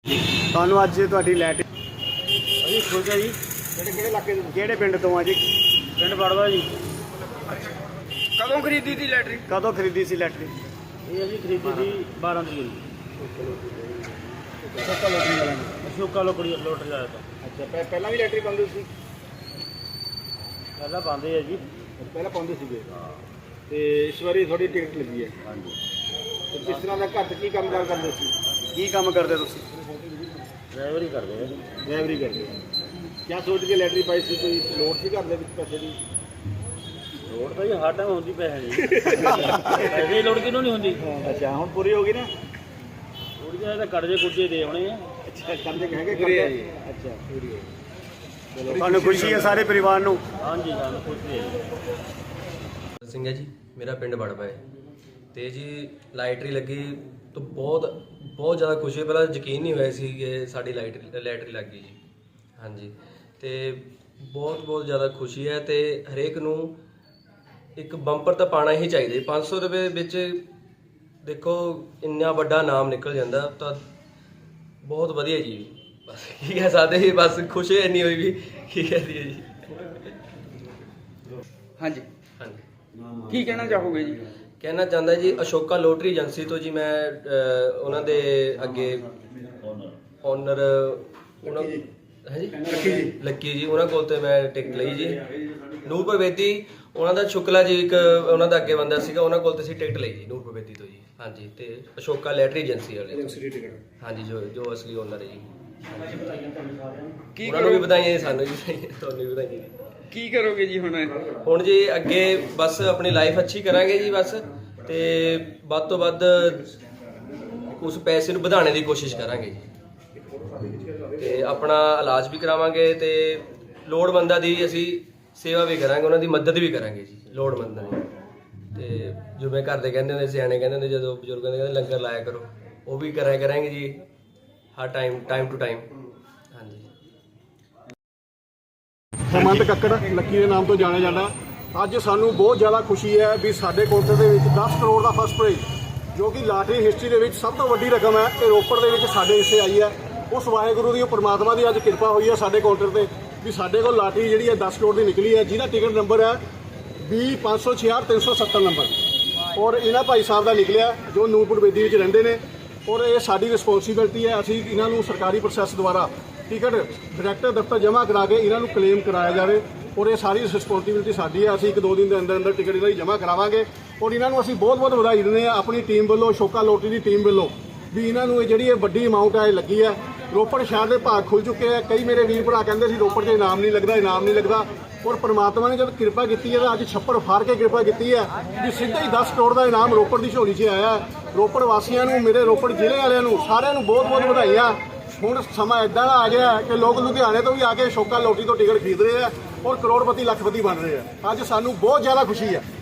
ਤੁਹਾਨੂੰ ਅੱਜ ਤੁਹਾਡੀ ਲੈਟ ਅਸੀਂ ਖੁਸ਼ ਹਾਂ ਜੀ। ਕਿਹੜੇ ਇਲਾਕੇ ਤੋਂ ਕਿਹੜੇ ਪਿੰਡ ਤੋਂ ਆ ਜੀ? ਪਿੰਡ ਵੜਵਾ ਜੀ। ਕਦੋਂ ਖਰੀਦੀ ਸੀ ਲੈਟਰੀ? ਕਦੋਂ ਖਰੀਦੀ ਸੀ ਲੈਟਰੀ? ਇਹ ਅਸੀਂ ਖਰੀਦੀ ਸੀ 12 ਤਰੀਕ ਨੂੰ। ਅਸ਼ੋਕਾ ਲੋਟਰੀ ਲਾਇਆ ਤਾਂ। ਅੱਛਾ, ਪਹਿਲਾਂ ਵੀ ਲੈਟਰੀ ਪਾਉਂਦੇ ਸੀ? ਪਹਿਲਾਂ ਪਾਉਂਦੇ ਆ ਜੀ। ਪਹਿਲਾਂ ਪਾਉਂਦੇ ਸੀਗੇ ਤੇ ਇਸ ਵਾਰੀ ਤੁਹਾਡੀ ਟਿਕਟ ਲੱਗੀ ਹੈ। ਹਾਂਜੀ। ਤੇ ਕਿਸ ਤਰ੍ਹਾਂ ਦਾ ਘਰ 'ਚ ਕੀ ਕੰਮ ਕਰਦੇ ਸੀ? ਕੀ ਕੰਮ ਕਰਦੇ ਤੁਸੀਂ? ਡਰਾਈਵਰ ਹੀ ਕਰਦੇ ਆ। ਡਰਾਈਵਰੀ ਕਰਦੇ ਹੋ। ਕਿਆ ਸੋਚ ਕੇ ਲੈਟਰੀ ਪਾਈ ਸੀ? ਕੋਈ ਲੋੜ ਸੀ ਘਰ ਦੇ ਵਿੱਚ ਪੈਸੇ ਦੀ? ਲੋੜ ਤਾਂ ਜੀ ਹਰ ਟਾਈਮ ਹੁੰਦੀ ਪੈਸੇ ਦੀ। ਪੈਸੇ ਦੀ ਲੋੜ ਕਿਹਨੂੰ ਨਹੀਂ ਹੁੰਦੀ? ਅੱਛਾ, ਹੁਣ ਪੂਰੀ ਹੋ ਗਈ ਨਾ? ਥੋੜੀ ਜਿਹੀ ਤਾਂ ਕਰਜ਼ੇ ਕੁਰਜ਼ੇ ਦੇ ਆਉਣੇ ਆ। ਅੱਛਾ, ਕਰਜ਼ੇ ਹੈਗੇ ਕਰਦੇ? ਅੱਛਾ, ਪੂਰੀ ਹੋ ਗਈ। ਚਲੋ, ਤੁਹਾਨੂੰ ਖੁਸ਼ੀ ਹੈ ਸਾਰੇ ਪਰਿਵਾਰ ਨੂੰ? ਹਾਂਜੀ, ਸਾਨੂੰ ਖੁਸ਼ੀ ਹੈ। ਸਿੰਘ ਹੈ ਜੀ, ਮੇਰਾ ਪਿੰਡ ਵੜਵਾ ਹੈ ਤੇ ਜੀ ਲਾਈਟਰੀ ਲੱਗੀ ਤਾਂ ਬਹੁਤ ਜ਼ਿਆਦਾ ਖੁਸ਼ੀ ਹੋਈ। ਪਹਿਲਾਂ ਯਕੀਨ ਨਹੀਂ ਹੋਇਆ ਸੀ ਕਿ ਸਾਡੀ ਲਾਈਟਰੀ ਲੱਗ ਗਈ ਜੀ। ਹਾਂਜੀ, ਤੇ ਬਹੁਤ ਜ਼ਿਆਦਾ ਖੁਸ਼ੀ ਹੈ ਤੇ ਹਰੇਕ ਨੂੰ ਇੱਕ ਬੰਪਰ ਤਾਂ ਪਾਉਣਾ ਹੀ ਚਾਹੀਦਾ। 500 ਰੁਪਏ ਵਿੱਚ ਦੇਖੋ ਇੰਨਾ ਵੱਡਾ ਨਾਮ ਨਿਕਲ ਜਾਂਦਾ ਤਾਂ ਬਹੁਤ ਵਧੀਆ ਜੀ। ਬਸ ਕੀ ਕਹਿ ਸਕਦੇ ਜੀ, ਬਸ ਖੁਸ਼ੀ ਇੰਨੀ ਹੋਈ ਵੀ ਕੀ ਕਹਿ ਦਈਏ ਜੀ। ਹਾਂਜੀ, ਹਾਂਜੀ, ਕੀ ਕਹਿਣਾ ਚਾਹੋਗੇ ਜੀ? ਕਹਿਣਾ ਚਾਹੁੰਦਾ ਜੀ, ਅਸ਼ੋਕਾ ਲੋਟਰੀ ਏਜੰਸੀ ਤੋਂ ਜੀ ਮੈਂ ਉਹਨਾਂ ਦੇ ਅੱਗੇ ਓਨਰ ਉਹਨਾਂ ਹੈ ਜੀ ਲੱਕੀ ਜੀ, ਉਹਨਾਂ ਕੋਲ ਤੇ ਮੈਂ ਟਿਕਟ ਲਈ ਜੀ। ਨੂਰਪੁਰ ਬੇਦੀ ਉਹਨਾਂ ਦਾ ਸ਼ੁਕਲਾ ਜੀ, ਇੱਕ ਉਹਨਾਂ ਦਾ ਅੱਗੇ ਬੰਦਾ ਸੀਗਾ, ਉਹਨਾਂ ਕੋਲ ਤੇ ਅਸੀਂ ਟਿਕਟ ਲਈ ਜੀ ਨੂਰਪੁਰ ਬੇਦੀ ਤੋਂ ਜੀ। ਹਾਂਜੀ, ਤੇ ਅਸ਼ੋਕਾ ਲੈਟਰੀ ਏਜੰਸੀ ਵਾਲੇ ਹਾਂਜੀ, ਜੋ ਅਸਲੀ ਓਨਰ ਹੈ ਜੀ। ਕੀ ਉਹਨਾਂ ਨੂੰ ਵੀ ਵਧਾਈਆਂ, ਸਾਨੂੰ ਵੀ ਤੁਹਾਨੂੰ ਵੀ ਵਧਾਈਆਂ। ਕੀ ਕਰੋਗੇ ਜੀ ਹੁਣ ਜੀ ਅੱਗੇ ਬਸ ਆਪਣੀ ਲਾਈਫ ਅੱਛੀ ਕਰਾਂਗੇ ਜੀ ਬਸ, ਤੇ ਵੱਧ ਤੋਂ ਵੱਧ ਉਸ ਪੈਸੇ ਨੂੰ ਵਧਾਉਣ ਦੀ ਕੋਸ਼ਿਸ਼ ਕਰਾਂਗੇ ਜੀ, ਤੇ ਆਪਣਾ ਇਲਾਜ ਵੀ ਕਰਾਵਾਂਗੇ ਤੇ ਲੋੜਵੰਦਾਂ ਦੀ ਅਸੀਂ ਸੇਵਾ ਵੀ ਕਰਾਂਗੇ, ਉਹਨਾਂ ਦੀ ਮਦਦ ਵੀ ਕਰਾਂਗੇ ਜੀ, ਲੋੜਵੰਦਾਂ ਦੀ। ਤੇ ਜਿਵੇਂ ਘਰ ਦੇ ਕਹਿੰਦੇ ਹੁੰਦੇ, ਸਿਆਣੇ ਕਹਿੰਦੇ ਹੁੰਦੇ, ਜਦੋਂ ਬਜ਼ੁਰਗਾਂ ਦੇ ਕਹਿੰਦੇ ਲੰਗਰ ਲਾਇਆ ਕਰੋ, ਉਹ ਵੀ ਕਰਾਂਗੇ ਜੀ ਹਰ ਟਾਈਮ ਟੂ ਟਾਈਮ। ਹਾਂਜੀ। ਹੇਮੰਤ ਕੱਕੜ ਲੱਕੀ ਦੇ ਨਾਮ ਤੋਂ ਜਾਣਿਆ ਜਾਂਦਾ। ਅੱਜ ਸਾਨੂੰ ਬਹੁਤ ਜ਼ਿਆਦਾ ਖੁਸ਼ੀ ਹੈ ਵੀ ਸਾਡੇ ਕੋਟੇ ਦੇ ਵਿੱਚ 10 ਕਰੋੜ ਦਾ ਫਸਟ ਪ੍ਰਾਈਜ਼, ਜੋ ਕਿ ਲਾਟਰੀ ਹਿਸਟਰੀ ਦੇ ਵਿੱਚ ਸਭ ਤੋਂ ਵੱਡੀ ਰਕਮ ਹੈ, ਇਹ ਰੋਪੜ ਦੇ ਵਿੱਚ ਸਾਡੇ ਹਿੱਸੇ ਆਈ ਹੈ। ਉਸ ਵਾਹਿਗੁਰੂ ਦੀ, ਪਰਮਾਤਮਾ ਦੀ ਅੱਜ ਕਿਰਪਾ ਹੋਈ ਹੈ ਸਾਡੇ ਕਾਊਂਟਰ ਤੇ ਵੀ ਸਾਡੇ ਕੋਲ ਲਾਟਰੀ ਜਿਹੜੀ ਹੈ 10 ਕਰੋੜ ਦੀ ਨਿਕਲੀ ਹੈ, ਜਿਹਦਾ ਟਿਕਟ ਨੰਬਰ ਹੈ 20566370 ਨੰਬਰ। ਔਰ ਇਹਨਾਂ ਭਾਈ ਸਾਹਿਬ ਦਾ ਨਿਕਲਿਆ ਜੋ ਨੂਰਪੁਰ ਬੇਦੀ ਵਿੱਚ ਰਹਿੰਦੇ ਨੇ। ਔਰ ਇਹ ਸਾਡੀ ਰਿਸਪੌਂਸਿਬਿਲਟੀ ਹੈ, ਅਸੀਂ ਇਹਨਾਂ ਨੂੰ ਸਰਕਾਰੀ ਪ੍ਰੋਸੈਸ ਦੁਆਰਾ ਟਿਕਟ ਡਾਇਰੈਕਟਰ ਦਫ਼ਤਰ ਜਮ੍ਹਾਂ ਕਰਾ ਕੇ ਇਹਨਾਂ ਨੂੰ ਕਲੇਮ ਕਰਾਇਆ ਜਾਵੇ। ਔਰ ਇਹ ਸਾਰੀ ਰਿਸਪੌਂਸਿਬਿਲਟੀ ਸਾਡੀ ਹੈ। ਅਸੀਂ 1-2 ਦਿਨ ਦੇ ਅੰਦਰ ਟਿਕਟ ਇਹਨਾਂ ਦੀ ਜਮ੍ਹਾਂ ਕਰਾਵਾਂਗੇ। ਔਰ ਇਹਨਾਂ ਨੂੰ ਅਸੀਂ ਬਹੁਤ ਵਧਾਈ ਦਿੰਦੇ ਹਾਂ ਆਪਣੀ ਟੀਮ ਵੱਲੋਂ, ਅਸ਼ੋਕਾ ਲੋਟਰੀ ਦੀ ਟੀਮ ਵੱਲੋਂ, ਵੀ ਇਹਨਾਂ ਨੂੰ ਇਹ ਜਿਹੜੀ ਇਹ ਵੱਡੀ ਅਮਾਊਂਟ ਹੈ ਲੱਗੀ ਹੈ। ਰੋਪੜ ਸ਼ਹਿਰ ਦੇ ਭਾਗ ਖੁੱਲ ਚੁੱਕੇ ਆ। ਕਈ ਮੇਰੇ ਵੀਰ ਭਰਾ ਕਹਿੰਦੇ ਸੀ ਰੋਪੜ 'ਚ ਇਨਾਮ ਨਹੀਂ ਲੱਗਦਾ। ਔਰ ਪਰਮਾਤਮਾ ਨੇ ਜਦ ਕਿਰਪਾ ਕੀਤੀ ਹੈ ਤਾਂ ਅੱਜ ਛੱਪੜ ਫਾੜ ਕੇ ਕਿਰਪਾ ਕੀਤੀ ਹੈ ਵੀ ਸਿੱਧਾ ਹੀ 10 ਕਰੋੜ ਦਾ ਇਨਾਮ ਰੋਪੜ ਦੀ ਝੋਲੀ 'ਚ ਆਇਆ। ਰੋਪੜ ਵਾਸੀਆਂ ਨੂੰ, ਮੇਰੇ ਰੋਪੜ ਜ਼ਿਲ੍ਹੇ ਵਾਲਿਆਂ ਨੂੰ, ਸਾਰਿਆਂ ਨੂੰ ਬਹੁਤ ਵਧਾਈਆਂ। ਹੁਣ ਸਮਾਂ ਇਦਾਂ ਦਾ ਆ ਗਿਆ ਕਿ ਲੋਕ ਲੁਧਿਆਣੇ ਤੋਂ ਵੀ ਆ ਕੇ ਅਸ਼ੋਕਾ ਲੋਟਰੀ ਤੋਂ ਟਿਕਟ ਖਰੀਦ ਰਹੇ ਆ ਔਰ ਕਰੋੜਪਤੀ ਲੱਖਪਤੀ ਬਣ ਰਹੇ ਆ। ਅੱਜ ਸਾਨੂੰ ਬਹੁਤ ਜ਼ਿਆਦਾ ਖੁਸ਼ੀ ਹੈ।